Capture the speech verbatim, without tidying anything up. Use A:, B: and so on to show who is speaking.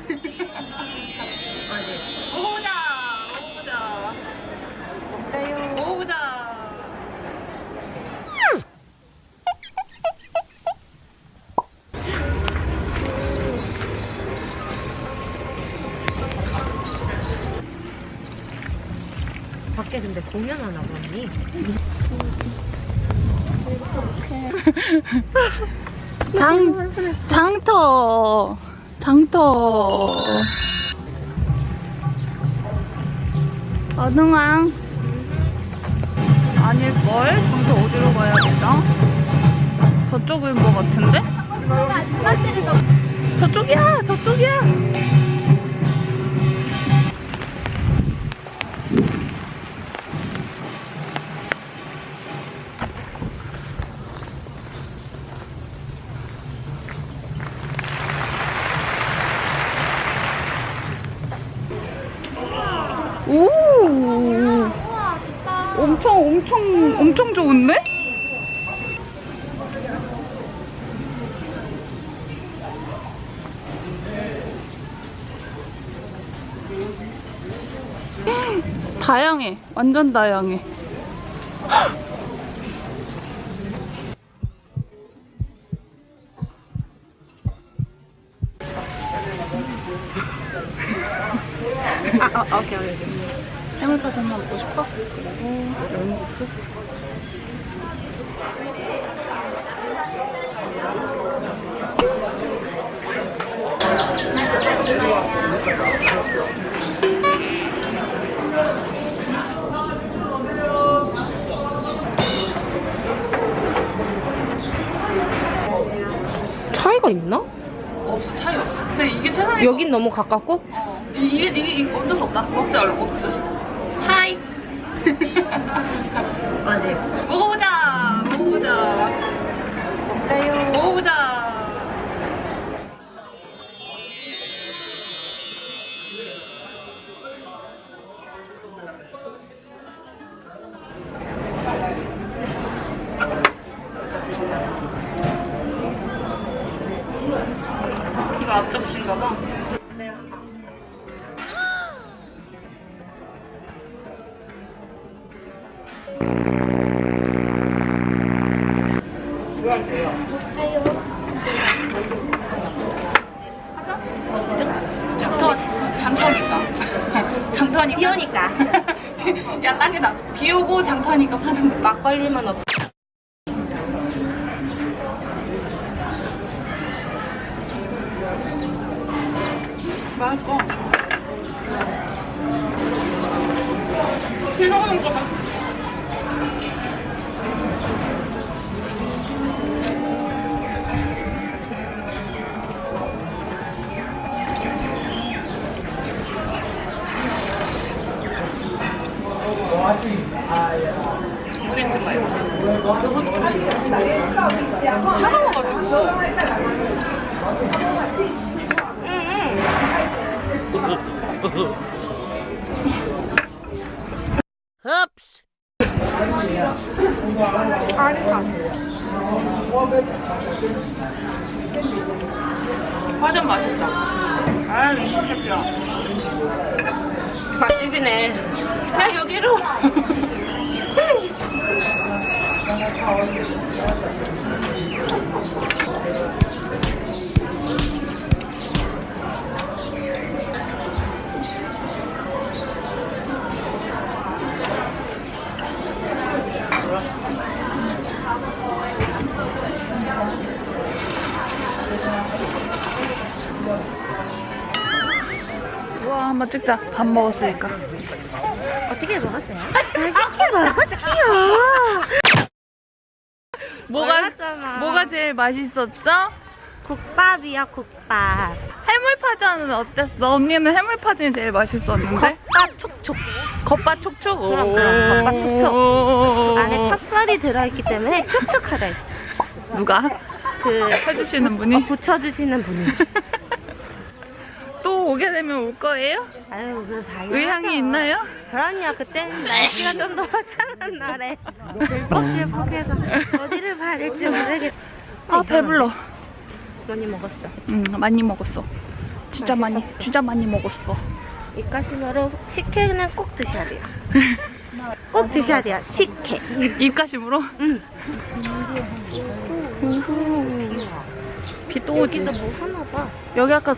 A: 먹어보자. 먹어보자.
B: 먹자요.
A: 먹어보자.
B: 밖에 근데 공연하나 보니?
C: 장, 장터. 장터. 어둥왕. 아닐걸? 장터 어디로 가야 되나? 저쪽인 것 같은데? 저쪽이야! 저쪽이야! 오! 엄청 엄청 엄청 좋은데? 다양해. 완전 다양해.
B: 아, 아, 오케이, 오케이.
C: 해물파전 먹고 싶어? 그리고 열무국수?
B: 차이가 있나?
A: 없어, 차이 없어. 근데 이게 최상의.
B: 여긴 너무 가깝고?
A: 어. 이게, 이게, 이게 어쩔 수 없다. 먹자, 얼른 먹자. 하이.
B: 맞아요.
A: 먹어보자. 먹어보자.
B: 먹자요.
A: 먹어보자. 이거 앞접시인가 봐. 하자. 장터, 장터니까. 장터니까.
B: 비 오니까.
A: 야, 딱이다. 비 오고 장터니까 화장.
B: 막걸리만 없어.
A: 맛있어. 비 오는 거 봐. 중국엔 좀 맛있어. 저것도 좀 신기해. 차가워가지고.
D: Oops.
A: 화전 맛있다. 아, 이거 챔피야.
B: 맛집이네.
A: 야, 여기로.
C: 우와, 한번 찍자. 밥 먹었으니까.
B: 어떻게 먹었어요? 맛있게 먹었지요.
C: 뭐가
B: 몰랐잖아.
C: 뭐가 제일 맛있었어?
B: 국밥이야, 국밥.
C: 해물파전은 어땠어? 언니는 해물파전이 제일 맛있었는데?
B: 겉바 촉촉.
C: 겉바 촉촉.
B: 그럼, 그럼, 겉바 촉촉.
C: 촉촉.
B: 안에 찹쌀이 들어있기 때문에 촉촉하다 했어.
C: 누가?
B: 그
C: 해주시는 분이?
B: 붙여주시는 분이.
C: 또 오게 되면 올 거예요?
B: 아유, 그 당연하죠.
C: 의향이 있나요?
B: 그럼요. 그땐 날씨가 좀 더 화창한 날에 질퍽질퍽해서 어디를 봐야 될지 모르겠.
C: 아, 배불러.
B: 많이 먹었어.
C: 응, 많이 먹었어. 진짜 많이 진짜 많이 먹었어.
B: 입가심으로 식혜는 꼭 드셔야 돼요. 꼭 드셔야 돼요. 식혜.
C: 입가심으로?
B: 응.
C: 비 또 오지.
B: 여기도 뭐 하나 봐.
C: 여기 아까